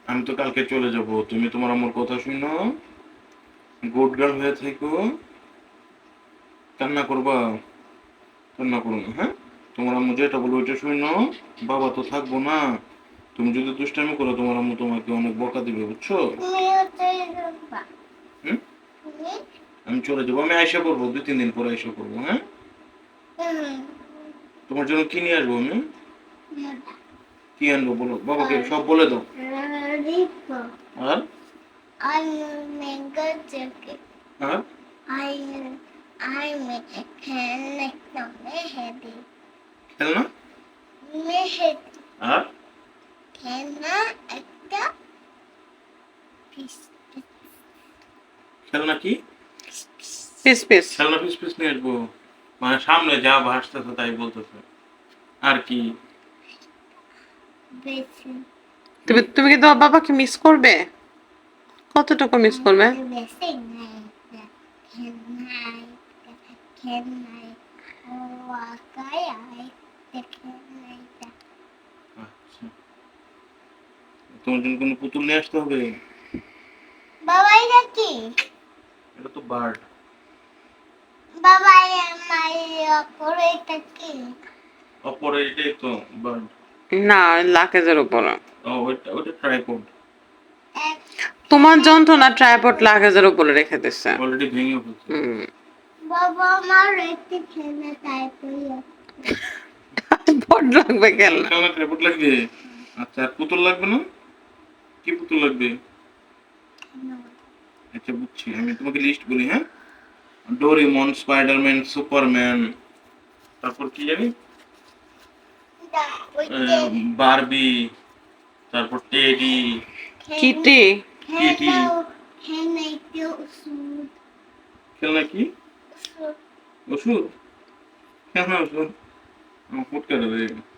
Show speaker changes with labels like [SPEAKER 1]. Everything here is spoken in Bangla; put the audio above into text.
[SPEAKER 1] আমি তো কালকে চলে যাব, তুমি তোমার আম্মুর কথা শুনো, গুড গার্ল হয়ে থেকো, কান্না করবা, কান্না করো না, হ্যাঁ? তোমার আম্মু যেটা বলবো ওইটা শুনো, বাবা তো থাকবো না, তুমি যদি দুষ্টামি করো তোমার আম্মু তোমাকে অনেক বকা দিবে, বুঝছো? হুম? আমি চলে যাবো, আমি আইসা করবো 2-3 দিন পরে আইসা করবো, হ্যাঁ? তোমার জন্য কি নিয়ে আসবো আমি? কি আনবো বলো, বাবাকে সব বলে দাও। আর আর খেলনা আর খেলনা কি?
[SPEAKER 2] Piece piece.
[SPEAKER 1] খেলনা পিস পিস নিয়ে আসবো? মানে সামনে যা ভাসতেছে তাই বলতেছে। আর কি?
[SPEAKER 2] তুমি কি তোমার বাবাকে মিস করবে? কতটুকু মিস করবে?
[SPEAKER 1] আচ্ছা, তোমার জন্য কোনো পুতুল নিয়ে আসতে হবে?
[SPEAKER 3] বাবা এটা কি?
[SPEAKER 1] এটা তো বার্ড।
[SPEAKER 3] বাবা আমার পরে এটা কি?
[SPEAKER 1] অপরে এটাই তো বার্ড।
[SPEAKER 2] না, লাকেজের উপরে।
[SPEAKER 1] ও ওইটা ওইটা ট্রাইপড।
[SPEAKER 2] তোমার যন্ত্রণা ট্রাইপড লাকেজের উপরে রেখে দিচ্ছে।
[SPEAKER 1] অলরেডি ভেঙে ফেলছে।
[SPEAKER 3] বাবা আমার একটি খেলনা তারপরে
[SPEAKER 2] ট্রাইপড লাগবে কেন?
[SPEAKER 1] খেলনা ট্রাইপড লাগবে? আচ্ছা, আর পুতুল লাগবে না? কি পুতুল লাগবে? আচ্ছা বুঝছি, আমি তোমাকে লিস্ট বলি, হ্যাঁ? ডোরেমন, স্পাইডারম্যান, সুপারম্যান, তারপর কি জানি, বারবি, তারপর টেডি,
[SPEAKER 2] কিটি।
[SPEAKER 1] কিটি।
[SPEAKER 3] খেলনা একটি ওষুধ
[SPEAKER 1] খেলনা কি? ওষুধ? খেলনা ওষুধ? আমার ফুটকা দেবে।